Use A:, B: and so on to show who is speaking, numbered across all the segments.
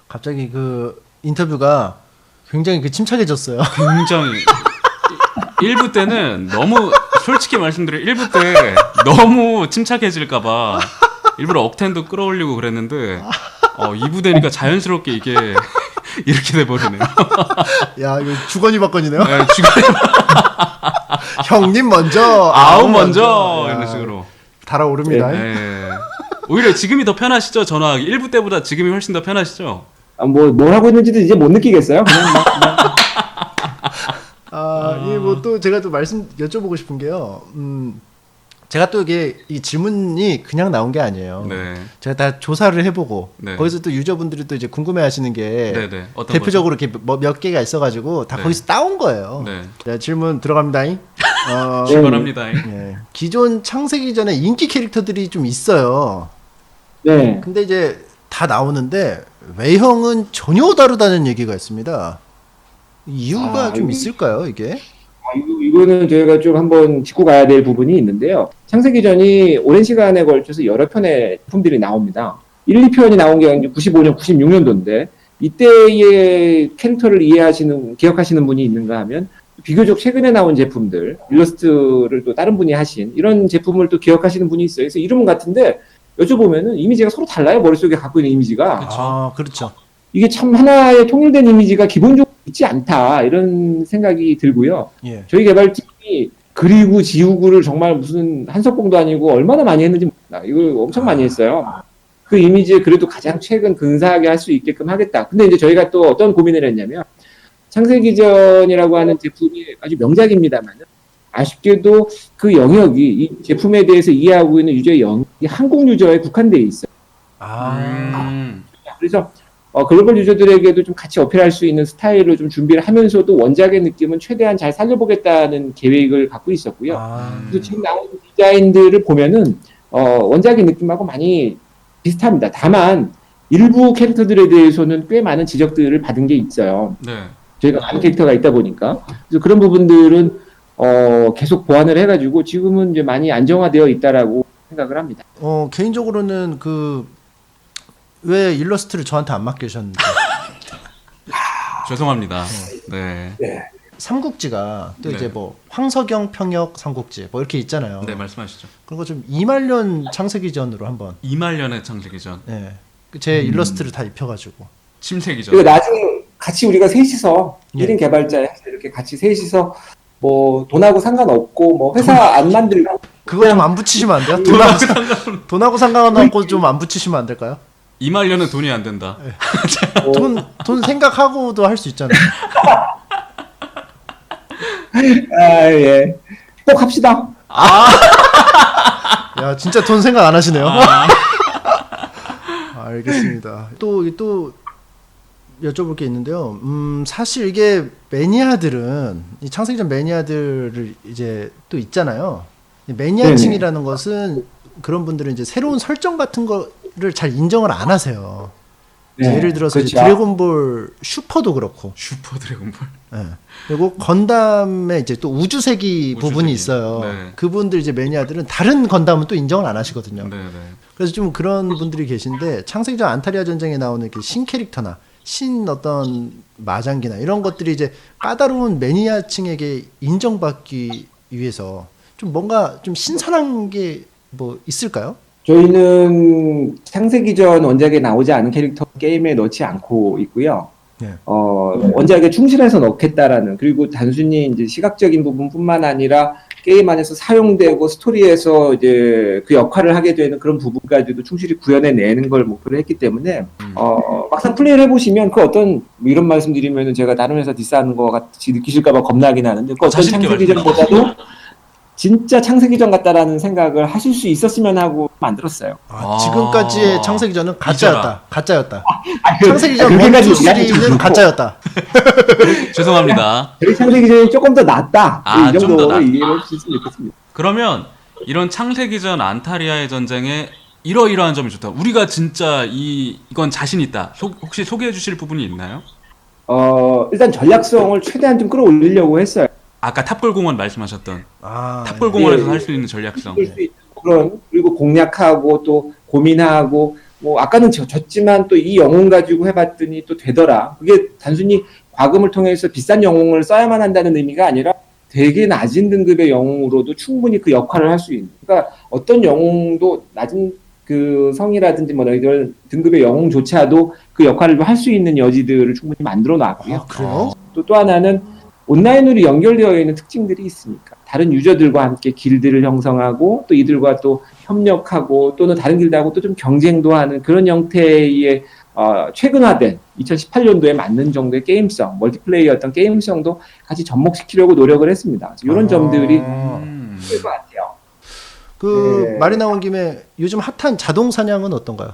A: 갑자기 그 인터뷰가 굉장히 그 침착해졌어요.
B: 굉장히 1부 때는 너무 솔직히 말씀드려 1부 때 너무 침착해질까봐 일부러 억텐도 끌어올리고 그랬는데 2부 되니까 자연스럽게 이게 이렇게 돼버리네요.
A: 야 이거 주거니 받거니네요.
B: 네, 주거니
A: 형님 먼저,
B: 아우 먼저
A: 야,
B: 이런 식으로
A: 달아오릅니다.
B: 네. 오히려 지금이 더 편하시죠? 전화하기 1부 때보다 지금이 훨씬 더 편하시죠?
C: 뭘 하고 있는지도 이제 못 느끼겠어요. 그냥
A: 이게 뭐 또 제가 또 여쭤보고 싶은 게요. 제가 또 이게 이 질문이 그냥 나온 게 아니에요.
B: 네.
A: 제가 다 조사를 해보고
B: 네.
A: 거기서 또 유저분들이 또 이제 궁금해하시는 게
B: 네네. 어떤
A: 대표적으로 이렇게 몇 개가 있어가지고 다
B: 네.
A: 거기서 따온 거예요.
B: 네.
A: 자, 질문 들어갑니다.
B: 출발합니다.
A: 예. 기존 창세기 전에 인기 캐릭터들이 좀 있어요.
C: 네.
A: 근데 이제 다 나오는데 외형은 전혀 다르다는 얘기가 있습니다. 이유가 좀 있을까요, 이게?
C: 이거는 저희가 좀 한번 짚고 가야 될 부분이 있는데요. 창세기전이 오랜 시간에 걸쳐서 여러 편의 작품들이 나옵니다. 1, 2편이 나온 게 95년, 96년도인데 이때의 캐릭터를 기억하시는 분이 있는가 하면 비교적 최근에 나온 제품들, 일러스트를 또 다른 분이 하신 이런 제품을 또 기억하시는 분이 있어요. 그래서 이름은 같은데 여쭤보면은 이미지가 서로 달라요. 머릿속에 갖고 있는 이미지가.
B: 그쵸.
A: 그렇죠.
C: 이게 참 하나의 통일된 이미지가 기본적으로 있지 않다 이런 생각이 들고요.
A: 예.
C: 저희 개발팀이 그리고 지우고를 정말 무슨 한석봉도 아니고 얼마나 많이 했는지 몰라. 이걸 엄청 많이 했어요. 그 이미지에 그래도 가장 최근 근사하게 할 수 있게끔 하겠다. 근데 이제 저희가 또 어떤 고민을 했냐면 창세기전이라고 하는 제품이 아주 명작입니다만 아쉽게도 그 영역이 이 제품에 대해서 이해하고 있는 유저의 영역이 한국 유저에 국한되어 있어요. 그래서 글로벌 유저들에게도 좀 같이 어필할 수 있는 스타일로 좀 준비를 하면서도 원작의 느낌은 최대한 잘 살려보겠다는 계획을 갖고 있었고요. 그래서 지금 나오는 디자인들을 보면은 원작의 느낌하고 많이 비슷합니다. 다만 일부 캐릭터들에 대해서는 꽤 많은 지적들을 받은 게 있어요.
B: 네.
C: 저희가 많은 캐릭터가 있다 보니까 그래서 그런 부분들은 계속 보완을 해가지고 지금은 이제 많이 안정화되어 있다라고 생각을 합니다.
A: 개인적으로는 왜 일러스트를 저한테 안 맡기셨는지.
B: 죄송합니다. 네.
A: 삼국지가 또
B: 네.
A: 이제 뭐 황석영 평역 삼국지 뭐 이렇게 있잖아요.
B: 네, 말씀하시죠.
A: 그런 거 좀 이말년 창세기전으로 한번.
B: 이말년의 창세기전.
A: 네. 제 일러스트를 다 입혀가지고.
B: 침세기전.
C: 그리고 나중에 같이 우리가 셋이서
A: 예.
C: 1인 개발자 이렇게 같이 셋이서 뭐 돈하고 상관없고 뭐 회사 안 만들고
A: 그거 좀 안 붙이시면 안 돼요? 돈하고 상관없고 좀 안 붙이시면 안 될까요?
B: 이말년은 돈이 안 된다.
A: 돈 생각하고도 할 수 있잖아요.
C: 예. 꼭 합시다.
A: 야 진짜 돈 생각 안 하시네요. 알겠습니다. 또 여쭤볼 게 있는데요. 사실 이게 매니아들은 이 창세기전 매니아들을 이제 또 있잖아요. 매니아층이라는 것은 그런 분들은 이제 새로운 설정 같은 거를 잘 인정을 안 하세요.
C: 네,
A: 예를 들어서 이제
C: 그렇죠.
A: 드래곤볼 슈퍼도 그렇고.
B: 슈퍼 드래곤볼.
A: 네. 그리고 건담에 이제 또 우주세기 부분이 있어요.
B: 네.
A: 그분들 이제 매니아들은 다른 건담은 또 인정을 안 하시거든요.
B: 네, 네.
A: 그래서 좀 그런 분들이 계신데 창세기전 안타리아 전쟁에 나오는 이렇게 신 캐릭터나 신 어떤 마장기나 이런 것들이 이제 까다로운 매니아층에게 인정받기 위해서 좀 뭔가 좀 신선한 게 뭐 있을까요?
C: 저희는 창세기전 원작에 나오지 않은 캐릭터 게임에 넣지 않고 있고요.
A: 네.
C: 원작에 충실해서 넣겠다라는 그리고 단순히 이제 시각적인 부분뿐만 아니라 게임 안에서 사용되고 스토리에서 이제 그 역할을 하게 되는 그런 부분까지도 충실히 구현해내는 걸 목표로 했기 때문에 막상 플레이를 해보시면 그 어떤 뭐 이런 말씀드리면은 제가 다른 회사 디스하는 것 같이 느끼실까봐 겁나긴 하는데 그 어떤 창세기전보다도 진짜 창세기전 같다라는 생각을 하실 수 있었으면 하고 만들었어요.
A: 지금까지의 창세기전은 가짜였다. 가짜였다.
C: 그
A: 창세기전 1, 2, 3는 가짜였다.
B: 죄송합니다.
C: 저희 창세기전이 조금 더 낫다. 이
B: 좀더
C: 정도로
B: 낫다.
C: 이해를 해주셨으면 좋겠습니다.
B: 그러면 이런 창세기전 안타리아의 전쟁에 이러이러한 점이 좋다. 우리가 진짜 이건 자신 있다. 혹시 소개해 주실 부분이 있나요?
C: 일단 전략성을 최대한 좀 끌어올리려고 했어요.
B: 아까 탑골공원 말씀하셨던
A: 아,
B: 탑골공원에서
C: 예.
B: 할 수 있는 전략성.
C: 쓸 수 있는 그리고 공략하고 또 고민하고 뭐 아까는 졌지만 또 이 영웅 가지고 해봤더니 또 되더라. 그게 단순히 과금을 통해서 비싼 영웅을 써야만 한다는 의미가 아니라 되게 낮은 등급의 영웅으로도 충분히 그 역할을 할 수 있는. 그러니까 어떤 영웅도 낮은 그 성이라든지 뭐 이런 등급의 영웅조차도 그 역할을 할 수 있는 여지들을 충분히 만들어 놨고요.
A: 아, 그래요?
C: 또 하나는 온라인으로 연결되어 있는 특징들이 있으니까 다른 유저들과 함께 길드를 형성하고 또 이들과 또 협력하고 또는 다른 길드하고 또 좀 경쟁도 하는 그런 형태의 최근화된 2018년도에 맞는 정도의 게임성, 멀티플레이어 어떤 게임성도 같이 접목시키려고 노력을 했습니다. 이런 점들이 있을 것 같아요.
A: 그
C: 네.
A: 말이 나온 김에 요즘 핫한 자동 사냥은 어떤가요?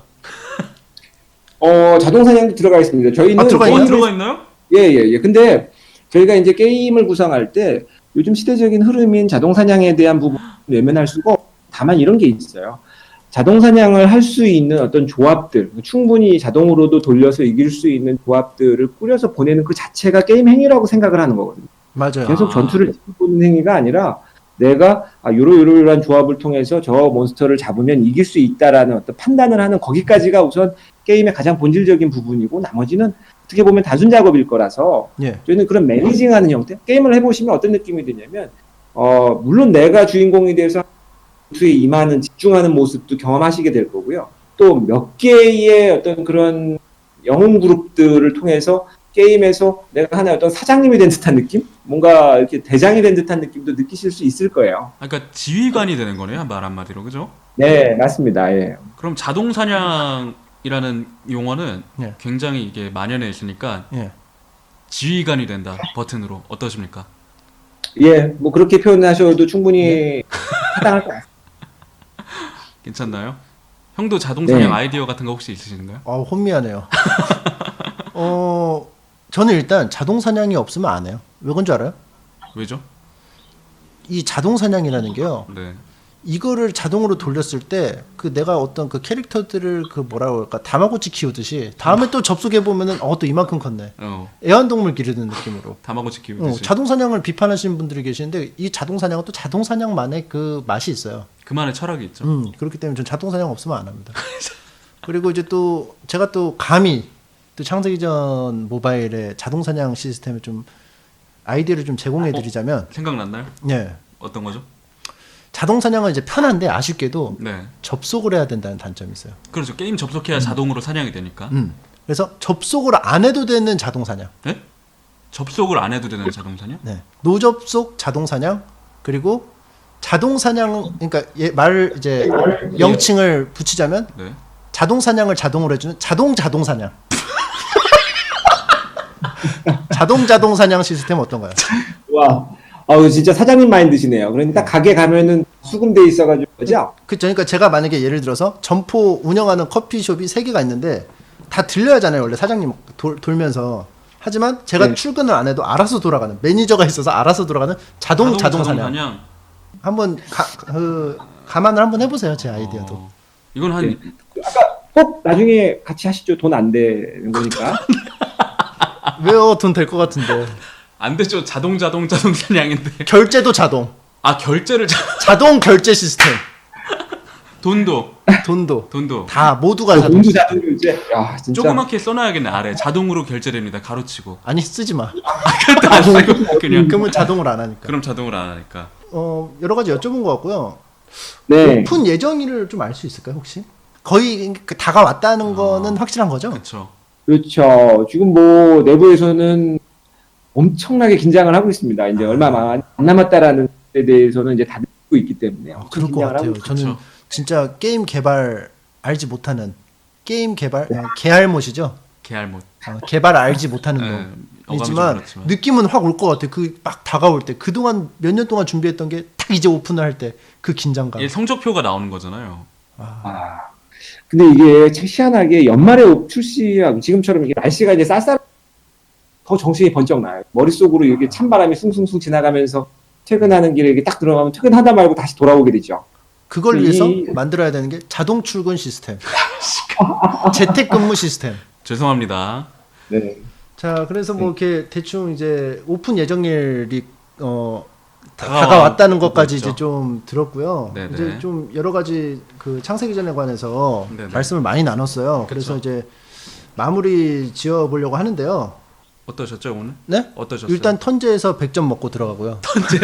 C: 자동 사냥도 들어가 있습니다. 저희는
A: 들어가 있나요?
B: 들어가 있나요?
C: 예. 근데 저희가 이제 게임을 구성할 때 요즘 시대적인 흐름인 자동 사냥에 대한 부분을 외면할 수가 없고 다만 이런 게 있어요. 자동 사냥을 할 수 있는 어떤 조합들, 충분히 자동으로도 돌려서 이길 수 있는 조합들을 꾸려서 보내는 그 자체가 게임 행위라고 생각을 하는 거거든요.
A: 맞아요.
C: 계속 전투를 보는 행위가 아니라 내가 요러한 조합을 통해서 저 몬스터를 잡으면 이길 수 있다라는 어떤 판단을 하는 거기까지가 우선 게임의 가장 본질적인 부분이고 나머지는 어떻게 보면 단순 작업일 거라서
A: 예.
C: 저희는 그런 매니징하는 형태 게임을 해보시면 어떤 느낌이 드냐면 물론 내가 주인공이 돼서 전투에 임하는 집중하는 모습도 경험하시게 될 거고요. 또 몇 개의 어떤 그런 영웅 그룹들을 통해서 게임에서 내가 하나의 어떤 사장님이 된 듯한 느낌? 뭔가 이렇게 대장이 된 듯한 느낌도 느끼실 수 있을 거예요.
B: 그러니까 지휘관이 되는 거네요, 말 한마디로, 그죠?
C: 네, 맞습니다. 예.
B: 그럼 자동 사냥이라는 용어는
A: 예.
B: 굉장히 이게 만연해 있으니까
A: 예.
B: 지휘관이 된다 버튼으로 어떠십니까?
C: 예, 뭐 그렇게 표현하셔도 충분히 타당할 것 같습니다.
B: 괜찮나요? 형도 자동 사냥
C: 네.
B: 아이디어 같은 거 혹시 있으신가요?
A: 혼미하네요. 저는 일단 자동 사냥이 없으면 안 해요. 왜 그런 줄 알아요?
B: 왜죠?
A: 이 자동 사냥이라는 게요.
B: 네.
A: 이거를 자동으로 돌렸을 때 그 내가 어떤 그 캐릭터들을 그 뭐라 그럴까 다마고치 키우듯이 다음에 또 접속해 보면은 또 이만큼 컸네. 애완동물 기르는 느낌으로.
B: 다마고치 키우듯이.
A: 자동 사냥을 비판하시는 분들이 계시는데 이 자동 사냥은 또 자동 사냥만의 그 맛이 있어요.
B: 그만의 철학이 있죠.
A: 그렇기 때문에 전 자동 사냥 없으면 안 합니다. 그리고 이제 또 제가 또 감히 또 창세기전 모바일의 자동 사냥 시스템을 좀 아이디어를 좀 제공해 드리자면
B: 생각났나요?
A: 예.
B: 어떤 거죠?
A: 자동 사냥은 이제 편한데 아쉽게도
B: 네.
A: 접속을 해야 된다는 단점이 있어요.
B: 그렇죠. 게임 접속해야 자동으로 사냥이 되니까.
A: 그래서 접속을 안 해도 되는 자동 사냥.
B: 네? 접속을 안 해도 되는 자동 사냥?
A: 네. 노접속 자동 사냥 그리고 자동 사냥 그러니까 이제 명칭을 붙이자면
B: 네.
A: 자동 사냥을 자동으로 해주는 자동 사냥. 자동 사냥 시스템 어떤가요?
C: 와, 진짜 사장님 마인드시네요. 그러니까 딱 가게 가면은 수금돼 있어가지고 그죠?
A: 그러니까 제가 만약에 예를 들어서 점포 운영하는 커피숍이 3개가 있는데 다 들려야 하잖아요. 원래 사장님 돌면서. 하지만 제가
C: 네.
A: 출근을 안 해도 알아서 돌아가는 매니저가 있어서 알아서 돌아가는 자동 사냥. 한번 감안을 한번 해보세요. 제 아이디어도.
B: 이건 한
C: 네. 아까 꼭 나중에 같이 하시죠. 돈 안 되는 거니까.
A: 왜요? 돈 될 것 같은데.
B: 안 되죠. 자동 사냥인데.
A: 결제도 자동.
B: 결제를
A: 자동 결제 시스템.
B: 돈도
A: 다 모두가 자동.
C: 돈도 자동 결제. 야, 진짜.
B: 조그맣게 써놔야겠네. 아래 자동으로 결제됩니다. 가로치고.
A: 아니 쓰지 마.
B: 그것도 안 쓰고 그냥.
A: 그러면 자동으로 안 하니까.
B: 그럼 자동으로 안 하니까.
A: 여러 가지 여쭤본 것 같고요.
C: 네.
A: 오픈 예정일을 좀 알 수 있을까요 혹시? 거의 다가왔다는 거는 확실한 거죠?
B: 그렇죠.
C: 그렇죠. 지금 뭐 내부에서는 엄청나게 긴장을 하고 있습니다. 이제 얼마 안 남았다라는 데 대해서는 이제 다들 알고 있기 때문에.
A: 그럴 것 같아요. 저는 진짜 게임 개발 알지 못하는 게임 개발 개알못이죠.
B: 개알못.
A: 개발 알지 못하는
B: 네,
A: 놈이지만
B: 그렇지만.
A: 느낌은 확 올 것 같아. 그 막 다가올 때 그동안 몇 년 동안 준비했던 게 딱 이제 오픈을 할 때 그 긴장감.
B: 이게 성적표가 나오는 거잖아요.
C: 근데 이게 참 희한하게 연말에 출시하고 지금처럼 이게 날씨가 이제 쌀쌀 더 정신이 번쩍 나요. 머릿속으로 이렇게 찬바람이 숭숭숭 지나가면서 퇴근하는 길에 이렇게 딱 들어가면 퇴근하다 말고 다시 돌아오게 되죠.
A: 그걸 위해서 만들어야 되는 게 자동 출근 시스템, 재택근무 시스템.
B: 죄송합니다.
C: 네.
A: 자, 그래서 뭐 이렇게 대충 이제 오픈 예정일이 다가왔다는 것까지
B: 있죠.
A: 이제 좀 들었고요.
B: 네네.
A: 이제 좀 여러 가지 그 창세기전에 관해서
B: 네네.
A: 말씀을 많이 나눴어요. 그래서
B: 그쵸.
A: 이제 마무리 지어 보려고 하는데요.
B: 어떠셨죠 오늘?
A: 네?
B: 어떠셨어요?
A: 일단 턴제에서 100점 먹고 들어가고요.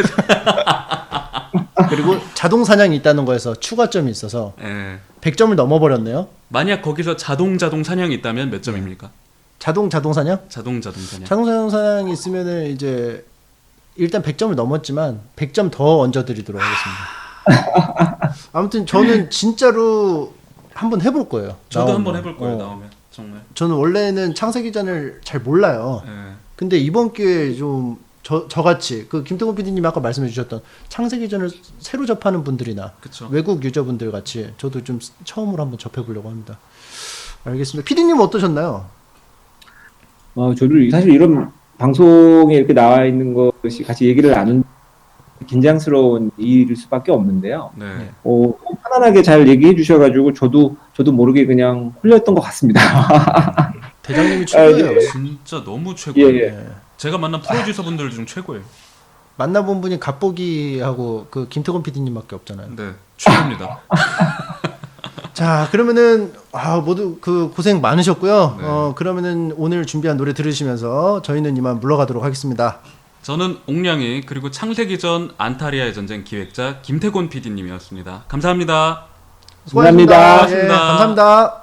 A: 그리고 자동 사냥이 있다는 거에서 추가점이 있어서
B: 예.
A: 100점을 넘어버렸네요.
B: 만약 거기서 자동 사냥이 있다면 몇 점입니까?
A: 자동 사냥?
B: 자동 사냥.
A: 자동 사냥이 있으면은 이제 일단 100점을 넘었지만 100점 더 얹어드리도록 하겠습니다. 아무튼 저는 진짜로 한번 해볼 거예요.
B: 저도
A: 나오면.
B: 한번 해볼 거예요 나오면 정말.
A: 저는 원래는 창세기전을 잘 몰라요.
B: 예.
A: 근데 이번 기회에 좀 저같이 그 김태곤 PD님이 아까 말씀해 주셨던 창세기전을 새로 접하는 분들이나
B: 그쵸.
A: 외국 유저분들 같이 저도 좀 처음으로 한번 접해보려고 합니다. 알겠습니다. PD님은 어떠셨나요?
C: 저도 사실 이런 방송에 이렇게 나와 있는 것이 같이 얘기를 나눈 긴장스러운 일일 수밖에 없는데요.
B: 네.
C: 편안하게 잘 얘기해 주셔가지고 저도 모르게 그냥 홀렸던 것 같습니다.
A: 대장님이 최고예요.
B: 진짜 너무 최고예요.
C: 예.
A: 네.
B: 제가 만난 프로듀서 분들 중 최고예요.
A: 만나본 분이 갑보기하고 그 김태곤 PD님밖에 없잖아요.
B: 네, 최고입니다.
A: 자, 그러면은 모두 그 고생 많으셨고요.
B: 네.
A: 그러면은 오늘 준비한 노래 들으시면서 저희는 이만 물러가도록 하겠습니다.
B: 저는 옥량이 그리고 창세기전 안타리아의 전쟁 기획자 김태곤 PD님이었습니다. 감사합니다.
C: 감사합니다.
A: 수고하셨습니다. 예, 감사합니다.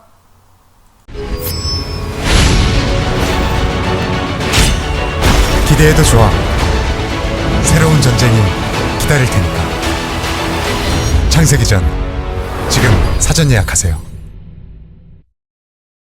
D: 기대해도 좋아. 새로운 전쟁이 기다릴 테니까. 창세기전 지금 사전 예약하세요.